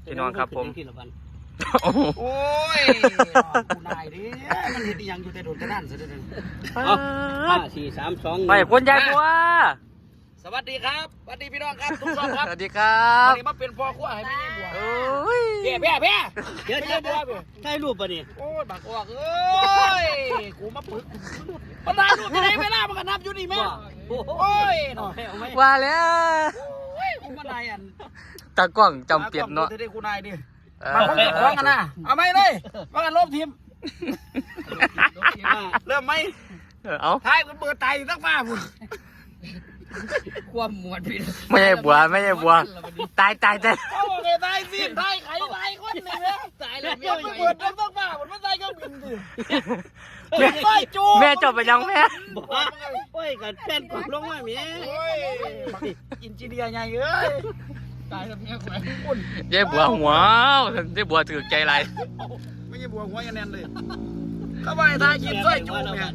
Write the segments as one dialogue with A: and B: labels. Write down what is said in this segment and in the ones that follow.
A: พี่น้องครับผม
B: โอ้ยกูนายดิมันเห็นยังอยู่แต่โดนแต่นั่นซะเด้อ5 4 3 2
A: ไปคนยายบัว
B: สวัสดีครับสวัสดีพี่น้องครับทุกท่านครับ
A: สวัสดีครับ
B: วันนี้มาเป็นพ่อขั้วให้แม่บัว
A: โอ้ย
B: เดี๋ยวเดี๋ยวบัวถ่ายรูปป่ะนี่โอ้ยบักออกเอ้ยกูมาปึกมาถ่ายรูปจะได้เวลามันก็นับอยู่นี่แม่โอ้ยเนาะ
A: ว่าแล้ว
B: โอ้ยกูมาได้อัน
A: ตากล้องจำเปียบเนาะ
B: จะได้กูนายดิมาคงจะคล้องกันนะเอาไหมเลยมากันลบทีมเริ่มไหม
A: เอา
B: ถ่ายกันเปิดไตตั้งฟ้าพุ่นความหมวดผิด
A: ไม่ใช่บัวตาย
B: เอาเลยตายสิตายไข่ตายคนนี่แม่ตายเลยไม่เปิดตั้งฟ้าพุ่นมันตายก็บินดิ
A: แม่จบไปยังแม่
B: โอ้ยกันแฟนกดลงมาแม่โอ้ยอินจีเดียไงเอ้ยตายแล้วแม่แขวนปุ่น
A: ยายบัวหัวยายบัวถือใจไร
B: ไม่ใช่บัวหัวยันแน่นเลยเข้าไปตายกินสร้อยจูบเนี่ย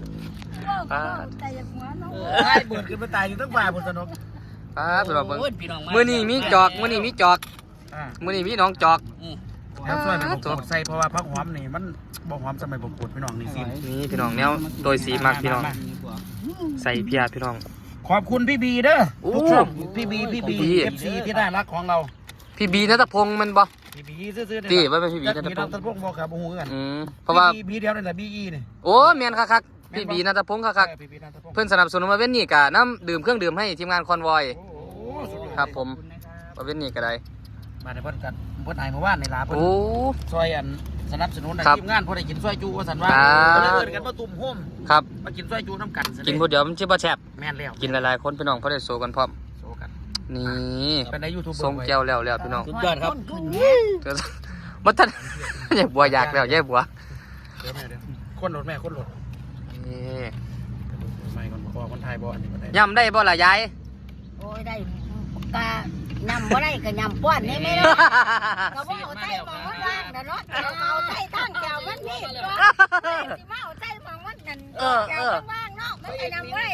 B: ตายเบิดขึ้นไปตายอยู่ตั้งบ่ายบนถนน
A: สำหรับมือนี่มีจอกมือนี่มีน้องจอก
B: แล้วสร้อยมันบกดใส่เพราะว่าพักหอมนี่มันบ่หอมสมัยบกดพี่น้องนี่สิ
A: นี่พี่น้องแนวโดยสีมากพี่น้องใส่เพียพี่น้อง
B: ขอบคุณพี่บีเด้อทุกช่องพี่บีเอฟซีที่น่ารักของเรา
A: พี่บีณัฐพงศ์มันบ่
B: พี่บีซื้อๆ
A: ตีว่าเป็นพี่บีณัฐพงศ์
B: บอกครับโอ้โหกัน
A: เพราะว่า
B: บีเดียวนี่แหละบีอีนี่
A: โอ้เมียนคักพี่บีณัฐพงศ์คักเพื่อนสนับสนุนมาเว้นนี่กะน้ำดื่มเครื่องดื่มให้ทีมงานคอนวอยครับผมมาเว้นนี่ก็ได้
B: มาในเพิ่นกันเพิ่นไอ้เมื่อวานในลาเพิ่นซอยอันสนับสนุนในทีมงานพอได้กินซอยจูว่าสันว่าเดินกันมาตุ่มโฮม
A: ครับ
B: มากินซอยจูน้ำกัน
A: กินผู้เดียวมันชื่อว่าแซ่บ
B: แม่นแล้ว
A: กินหลายๆคนพี่น้องเขาได้โซกันพร้อม
B: โซกัน
A: นี่
B: เป็นในยูทูบ
A: ส่งแก้วแล้วพี่น้อง
B: สุดยอดครับ
A: มันท่านยายบัวอยากแล้วยายบัว
B: คนรถแม่คนรถ
A: นี่
B: ไม่คนไทยบ่
A: ยำได้บ่ล่ะยาย
C: โอ้ยได้กะยำบ่ได้ก็ยำป้อนนี่ไม่ได้ก็บ่เอาใจมองมันว่างนะเนาะเอาใจทั้งแก้วมันนี่ก็สิมาเอาใจมองมันนั่นแก้วมันว่างเนาะมันก็ยำบ่ได้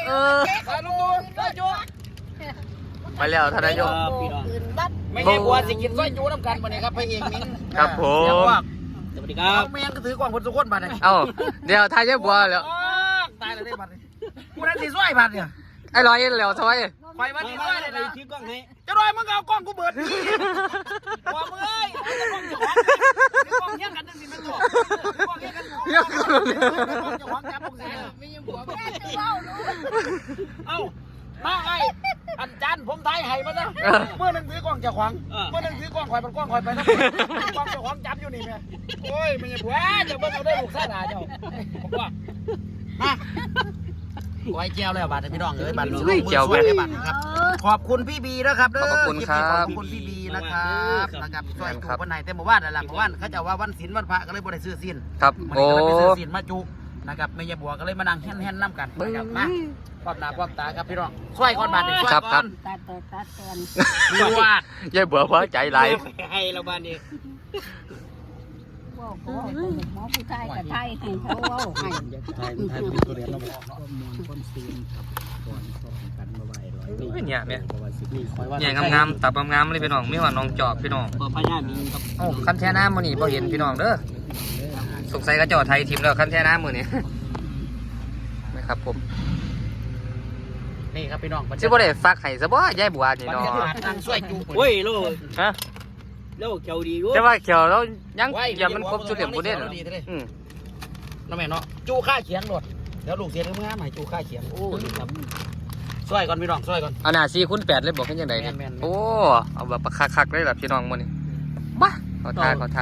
A: มาแล้วท่านนายก
B: ไม่ใช่บัวสิกินซอยจูน้ำกันมาเนี่ยครับพระเอกมิ้ง
A: ครับผม
B: สวัสดีครับแม่งก็ถือกล่องคนสุขคนบัดเนี่ย
A: เดี๋ยวทายยายบัวแล้ว
B: ตายแล้วได้บัดเนี่ยกูนั่นสิซอยบัดเนี่ย
A: ไอ้ลอยแล้วซอย
B: ไฟมาที่ซอยเลยนะถือกล้องให้จะรอยมึงเอากล้องกูเบิดนี่บอกมึงเอ้ยเอากล้องจะวางกล้องเงี้ยกันนั่นสิมันตัวกล้องเงี้ยกันกล้องจะวางจับพวกเสียไม่ยังบัวแม่จะเล่ารู้เอ้ามาไอ้อันจันผมไทยให้มาซะเมื่อนึงถือกล้องจะขวางเมื่อนึงถือกล้องคอยมันกล้องคอยไปนะกล้องจะขวางจับอยู่นี่แม่โอ้ยมันยังบัวจะเบิ่งเอาได้ลูกซ่าหนาเจ้าผมว่ามาไว้เจียวเลยบัตรพี่น้องเลยบัตรมือสวยเลยบัตรครับขอบคุณพี่บีนะครับข
A: อบคุณครับ
B: ขอบคุณพี่บีนะครับช่วยถูกวันไหนแต่เมื่อวานอะไรเมื่อวานเขาจะว่าวันศีลวันพระก็เลยบ่ได้ซื้อศีล
A: ครับ
B: โอ้ไปซื้อศีลมาจุนะครับแม่ยายบัวก็เลยมานั่งแห่นน้ำกันนะครับมาความหนาความตาครับพี่น้องช่วยก่อนบัตรช่วยก่อน
C: ตัด
B: ดูว่
A: ายายบัวพอใจไร
B: ให้เราบ้านนี้
C: หมอผู้ชายกับไทยให้เขาว่าให้
B: เป็นตัวเรียนเราบอกเนาะคนซีนครับก่อนกันมาไว้
A: เนี่ยเนี่ยงามตับงามเลยพี่น้องไม่ว่าน้องจอบพี่น้อง
B: พญามีครับ
A: โอ้คันแช่น้ำมือนี่พอเห็นพี่น้องเด้อสงสัยกระจอไทยทีมแล้วคันแช่น้ำมือนี่นะครับผม
B: นี่ครับพี่น้อง
A: ชื่อว่าได้ฟักไห่ซะบ่ยายบัวนี่เนาะ
B: นั่งช่วยจูเฮ้ยลูกฮะแล้วเขียวดีอยู่
A: แต่ว่าเขียวแล้วยังอย่ามันครบจุดเด่นบุญเด่น
B: น้องแม่เนาะจูค่าเขียงหลดเดี๋ยวลูกเสียเรื่องงานใหม่จูค่าเขียงโอ้ยครับช่วยก่อนพี่น้องช่วยก่อน
A: เอาหน้า4x8เลยบอกให้ยังไงโอ้เอาแบบคักๆเลยแบบพี่น้องมันนี่บ้าขอท่า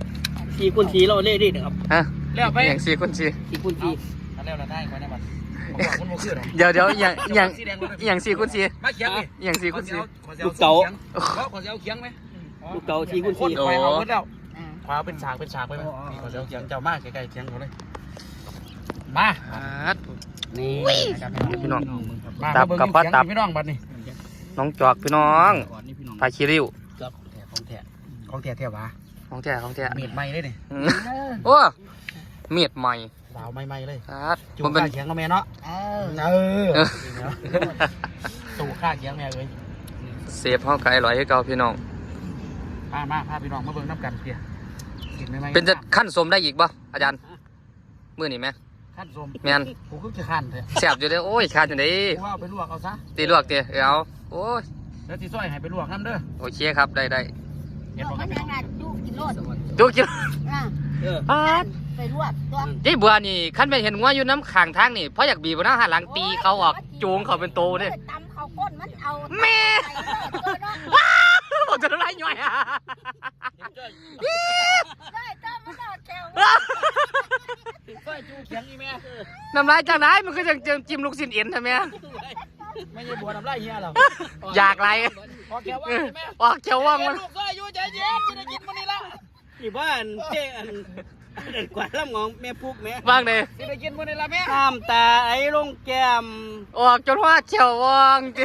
B: 4x4เราเล่ดิครับ
A: ฮะแล้วไปอย่าง4x4
B: แล้วเราได้ไว้ในบัตร
A: เดี๋ยวอย่าง4x4
B: มาเขียงดิ
A: อย่าง4x4
B: ลูกเต๋าขอเสียวเขียงไหมลูกเต๋า4x4
A: โอ้
B: ขวาเป็นฉากไปไหมขอเสียวเขียงเจ้ามากใกล้ๆเขียงเขาเลยมานี่
A: พี่น้องตับกับป้าตับ
B: พี่น้องบัดนี่
A: น้องจอกพี่น้องพาคิริว
B: ของแท้วะ
A: ของแท้
B: เมียดใหม่เลยนี่
A: โอ้เมียดใหม่
B: สาวใหม่เลย
A: จูบ
B: เขียงกับแม่เนาะตู่ข้าเขียงแม่เลย
A: เซฟห้องไก่อร่อยให้เก่าพี่น้อง
B: มาพาพี่น้องมาเบิ่งน้ำกันเพียกินได้ไหม
A: เป็นจะขั้นสมได้อีกบ่อาจารย์มื้อนี้แม่
B: ขั้นสม
A: แม่น
B: กูคือจะขั้นเถอะ
A: แซ่บอยู่เด้อโอ้ยขาดจังได๋
B: กูว่าเอาไปลวกเอาซะ
A: ตีลวกติเอาโอ้ย
B: แล้วสิซอยให้ไปลวกน้ำเด้อ
A: โอเคครับได้
B: เห็นบอก
C: มั
B: กัน น
C: ยังไงดูกินโลด
A: จุกจิ
C: อ่ะ
A: ปาด
C: ไปรวบตัว
A: ยายบัวนี่คันไปเห็นงัวอยู่น้ำข้างทางนี่เพราะอยากบีบหน้าหันหลังตีเขาออกจูงเขาเป็นโตเด้
C: ตำเขาก้นมันเอา
A: แม่
C: ใส่เลยตัวเนาะ
A: บอกจะน้ำลายย่อยอ่ะ
C: ได้ต้มมันเอาแก้ว
B: ซอยจูเขียงอีแม่
A: น้ำลายจากไหนมันก็ยังจิ้มลูกชิ้นเอ็นใช่ไหม
B: ไม่ใช่บัวน้ำลายเฮียหรอก
A: อยากไร
B: พอแกว่าแม่
A: ออกเขียวว่างมัน
B: ลูกซอยอยู่ใจเย็นจะได้กินมื้อนี้ละ
D: นี่บ้านเจ๊อันเด็ดกว่าลำงองแม่พุกแม่
A: ว่างเลย
B: จะได้กินมื้อนี้ละแม่
D: น้ำตาไอ้ลงแก้ม
A: ออกจนว่าเขียวว่างจิ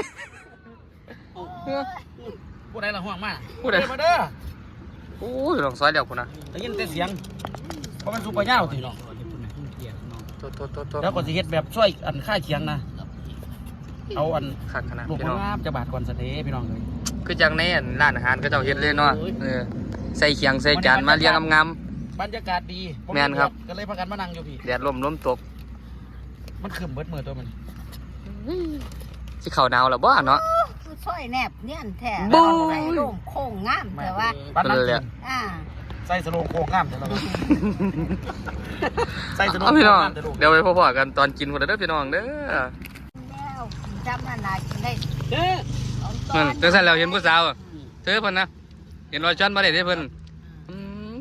B: ผู้ใดละห่วงมาก
A: ผู้ใด
B: มาเด้อ
A: โอ้ยลองซอยเดียวคุณนะ
B: ได้ยินแต่เสียงเพราะมันสุปเปอร์ย่าวติเนาะ
A: โต
B: แล้วก็สิเฮ็ดแบบช่วยอันค่าเคียงนะเอาอัน
A: ขัดขนาด
B: ลูก
A: พี่
B: มะ
A: น้อง
B: งามจะบาดก่อนสะเทพี่น้องเลย
A: คือจังในร้านอาหารก็เจ้าเฮ็ดเลยเนาะใส่เขียงใส่จานมาเรียงงาม
B: บรรยากาศดี
A: แม่นครับ
B: ก็เลยพากันมานั่งอยู่พี่
A: ๆแดดลมตก
B: มันขึ้นเบิดมือตัวมัน
A: สิเข้าหนาวแล้วบ่เนาะ
C: คือซอยแนบเนี่ยนแท้
A: บู๊
C: ใส่โล่งโค้งงามแต่ว่า
B: บ้านนั่ง
A: เลย
B: กิ
A: อะ
B: น
C: อ่า
B: ใส่สโลงโค้งงามแต่เราใส่สโลง
A: เอา
B: โค้
A: พี่
B: ง
A: น้อง
B: งามแต่ลูก
A: เดี๋ยวไปพบกันตอนกินคนเด้อพี่น้องเด้อ
C: แล้วจำนานากินได้
D: เด้อ
C: เอาตอ
A: นั่นจังซั่นแล้วเห็นผู้สาวอะเธอเพิ่นนะเห็นรอยช้อนบ่ได้เด้เพิ่นอืม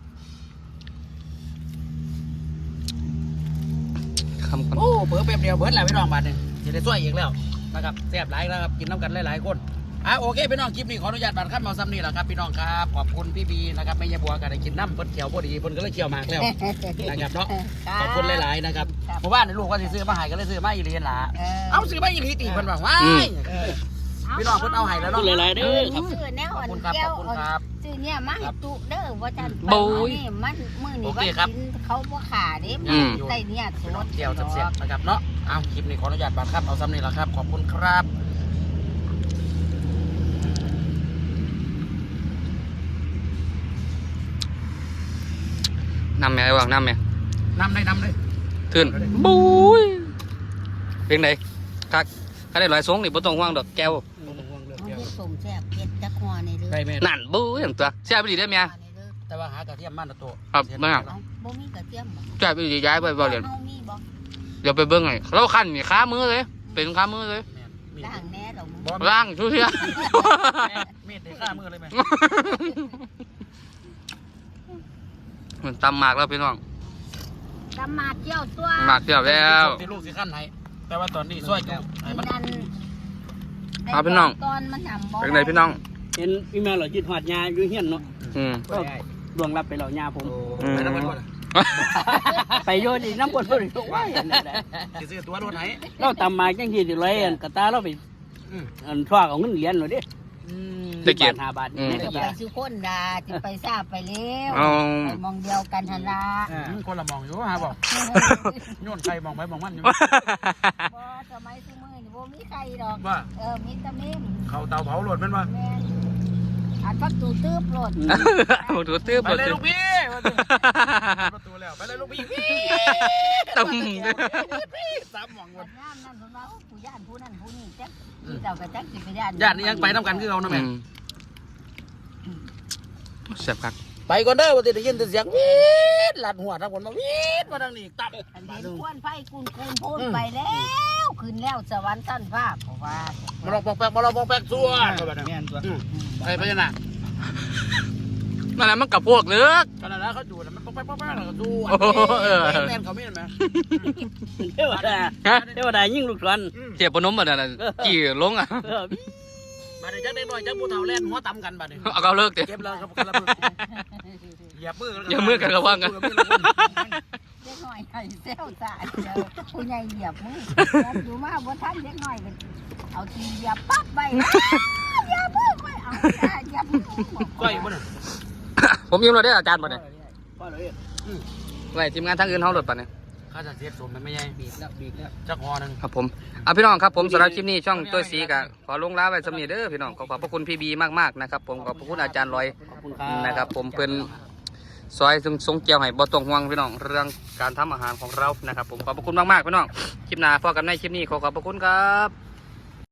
A: คำก่อน
B: โอ้เบิดแป๊บเดียวเบิดแล้วพี่น้องบาดนี่จะได้ช่วยอีกแล้วนะครับแซ่บหลายแล้วครับกินน้ำกันหลายๆคนโอเคพี่น้องคลิปนี้ขออนุญาตบาดขั้นมาซ้ำนี่แหละครับพี่น้องครับขอบคุณพี่บีนะครับไม่ยาบัวกันได้กินน้ำเพิ่นเขียวพอดีเพิ่นก็เลยเขียวมากแล้ว นะครับเนาะขอบคุณหลายๆนะครับหมู่บ้านในลูกก็สิซื้อมาให้ก็เลยซื้อมาอีหลีนล่ะเอาซื้อมาอีหลีตีเพิ่นบอกว่าพี่น้องเพิ่นเอาให้แล้ว
D: พู
B: เนาะ
D: ดหลายๆเด้อครับ
C: ซื้อแนว
B: ขอบ
C: อ่อน
B: คุณครับ
C: แก้
B: ข
C: ว
B: อบคุณครับ
C: ซื้อเนี่ยมาให้ตุเด้อว่าจัน
A: บู๊ย
C: นี่มันมื้อนี้
B: โอ
C: ว่า
B: เคครับ
C: กินเขาบ่ขาเด้
A: อืม
C: ได้เนี่ยสด
B: เจียวเสียบๆนะครับเนาะเอาคลิปนี้ขออนุญาตบาดครับเอาซ้ำนี่แหละครับขอบคุณครับ
A: น้ำแม่ไอ้วางน้ำแม่
B: นำเลย
A: ทื่นบุ้ยเพลงไหนคักคันได้หลายสงนี่บ่ต้องห่วงดอกแก้ว
C: มันเฮ็ดสมแซ่บเฮ็ดจักหัวนี่เด้อ
B: ได้แม่
A: นั่นบุ้ยอย่างตัวแซ่บไปดีได้อแม่
B: แต่ว่าหากระเทียมมันนะตัว
A: ครับแม่
C: เอาบ่มีกระเทียมบ่
A: แซ่บไปดีย้ายไปบ่เรียน
C: เฮามีบ่
A: เดี๋ยวไปเบิ่งให้เราคั่นนี่ค้ามือเลย เป็นค้ามือเลย
B: มี
C: ล้างแหน่ดอกมึง
B: บอ
A: ล้างทุกเที่ย
B: มีดในข้ามือเลยแม่
A: เหมือนตำหมากแล้วพี่น้อง
C: ตำมาเจียวตัว
A: หมากเดียวแล้ว
B: ที่ลูกสิขั้นให้แต่ว่าตอนนี้ช่วยจุให้มัน
C: นั่น
A: เอาพี่น้อง
C: ตอนมันนำบ่
A: เป็นไงพี่น้อง
D: เห็นพี่แม่เรายืดหอดยาอยู่เฮียนเนาะ
A: อืม
D: ก็ดวงรับไปเรายาผม
B: ไปน้ำมันก่อน
D: ไปโยนอีกน้ำบนบนทุกวันนั่นแหละ
B: สิซื้อตัวรถไหน
D: เราตำมาจังที่สิเลยอันกระตาเราไปอันทว่าเอาเงินเหรียญเลยดิ
A: ได้เกียรติ
D: 5 บาท
A: อืม
D: นี่
C: จะ
D: ก็
C: ไปสิคนดาสิไปทราบไปแล้ว
A: เอา
C: ไปมองเดียวกันหั่นล่ะ
B: คนละมองอยู่ฮะบอกโยนใครมองไปมองมันอยู่
C: บ่สมัยซุมื้อนี่บ่มีใครดอก
B: ว่า
C: มีแตะเมม
B: เขาเตาเผาหลดมันมา
C: แม่นอันพักตูตื้อโปรด
A: เอาถูตื้อ
B: ไป
A: เปิด
B: เลย
A: ตื้อ
B: ลูกพี่ประตูแล้วไปเลยลูกพี่
A: ตึม
B: สามหมองหม
C: บั
B: ด
C: ดยามนั้นเพิ่นว่าโอ้ผู้ย่านผู้นั้นผู้นี้จักสิเจ้าก็จักสิไปย่าน
B: ญาตินี่ยังไปน้ำกันคือเขานะ
A: อื
B: แม่
A: มแซ่บคัก
B: ไปก่อนเด้อว่าจะได้ยินแต่เสียงวีดหลัดหัวทั้งคนมาวีดมาทางนี้ตับ
C: อันเห็นควนไผกูนพูนไปแล้วขึ้นแล้วสวรรค์สั้นฟ้าเพราะว่า
B: มาลองปองแปกมาลองปองแปกส่วน
D: แม่นตัว
B: ไปไปยังไง
A: นั่นแหละมันกับพวกเลือก
B: ตอนนั้นเขาจูดมันปองแปกปองแปกแล้วก็จูดแม่นเขาไม่เห็นไหม
D: เทวดาเทวดายิ่งลูกศร
A: เจ็บปนมแบบนั้นกี่ลงอ่ะ
B: บัดนี้จักเด็กน้อยจักผู้เฒ่าแล่นหัวตำกันบัดนี้
A: เอาเลิกเดี๋ยว
B: เก็บแล้วครับเหยียบมือ
A: อย่ามือกันระวังกัน
C: เด็กน้อยให้เซลซ่าเดี๋ยวผู้ใหญ่เหยียบมืออยู่มาบ่ทันเด็กน้อยก็เอาทีเหยียบปั๊บไปเหยียบมือไปเอาเหยียบมือ
B: ก้อยบ่น่ะ
A: ผมยิ้มเราได้อาจารย์ป่ะเนี่ย
D: พ่อเลย
A: ไว้ทีมงานทางอื่นเขาหลุดป่ะเนี่ย
B: ข้าจะเสียสูงมันไม่ใหญ่
D: บีบแล้ว
B: จักหอนึง
A: ครับผมพี่น้องครับผมสำหรับคลิปนี้ช่องตัวสีกะขอลงลาไว้สำนีเด้อพี่น้องขอบพระคุณพี่บีมากๆนะครับผมขอบพระคุณอาจารย์ลอย
D: ขอบคุณครับ
A: นะครับผมเพิ่นซอยทรงเกี่ยวให้บ่ต้องห่วงพี่น้องเรื่องการทำอาหารของเรานะครับผมขอบพระคุณมากๆพี่น้องคลิปหน้าพบกันในคลิปนี้ขอบพระคุณครับ